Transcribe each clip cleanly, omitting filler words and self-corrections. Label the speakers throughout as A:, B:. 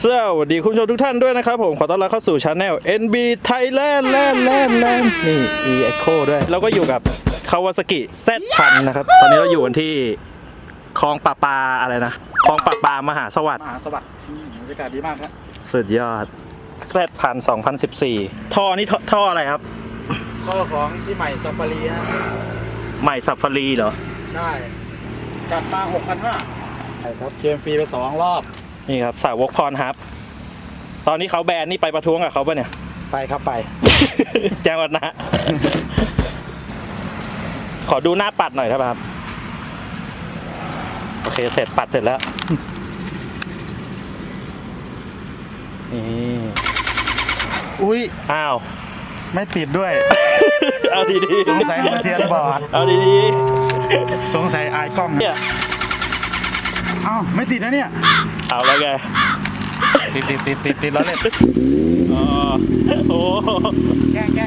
A: สวัสดีคุณผู้ชมทุกท่านด้วยนะครับผมขอต้อนรับเข้าสู่ช anel NB Thailand แลนนี่ Echo ด้วยแล้วก็อยู่กับ Kawasaki Z1000 นะครับตอนนี้เราอยู่กันที่คลองปาอะไรนะคลองปามหาสวัสดิ์
B: บรรยากาศดีมากครับ
A: สุดยอด Z1000 2014ท่อนี่ท่ออะไรครับ
B: ข้อของที่ใหม่ซัฟฟารีนะ
A: ใหม่ซัฟฟารีเหรอ
B: ได้จัดมา 6,500ใช่ครับเคมฟรีไป2 รอบ
A: นี่ครับสาวกพรฮับตอนนี้เขาแบนนี่ไปประท้วงกับเขาปะเนี่ย
B: ไปครับไป
A: แจ้งวัฒนะ ขอดูหน้าปัดหน่อยครับโอเคเสร็จปัดเสร็จแล้ว นี่
B: อุ้ย
A: อ้าว
B: ไม่ติดด้วย
A: เอาดีๆ
B: สงสัยหัวเทียนบอด
A: เอาดี
B: สงสัยอายกล้อง
A: ๆเนี่ย
B: อ้าวไม่ติดนะเนี่ย
A: เอาแล้วไง
B: ติดแล้วเนี่ย
A: อ๋อโอ้
B: แกล้ง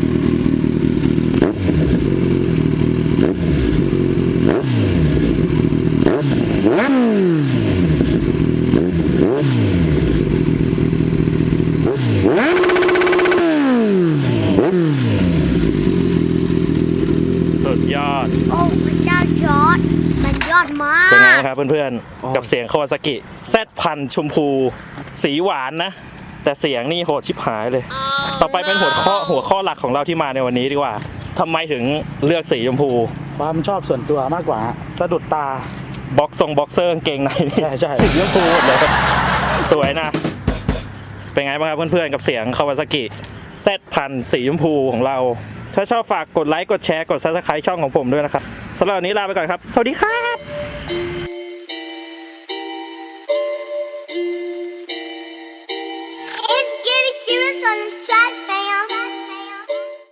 A: สุดยอด
C: โอ้พระเจ้าจอร์ดมันยอดมา
A: เป็นไง
C: ก
A: ครับเพื่อนๆกับเสียงคาวาซากิZ1000ชมพูสีหวานนะแต่เสียงนี่โหดชิบหายเลย ต่อไปเป็นหัวข้อหลักของเราที่มาในวันนี้ดีกว่าทำไมถึงเลือกสีชมพู
B: ความชอบส่วนตัวมากกว่าสะดุดตา
A: บ็อกเซอร์กางเกงในนี่
B: ใช่
A: สีชมพูหมดเลยสวยนะ เป็นไงบ้างครับเพื่อนๆกับเสียงคาวาซากิZ1000สีชมพูของเรา ถ้าชอบฝากกดไลค์กดแชร์กด Subscribe ช่องของผมด้วยนะครับสำหรับวันนี้ลาไปก่อนครับสวัสดีครับ
C: It's getting serious on this track.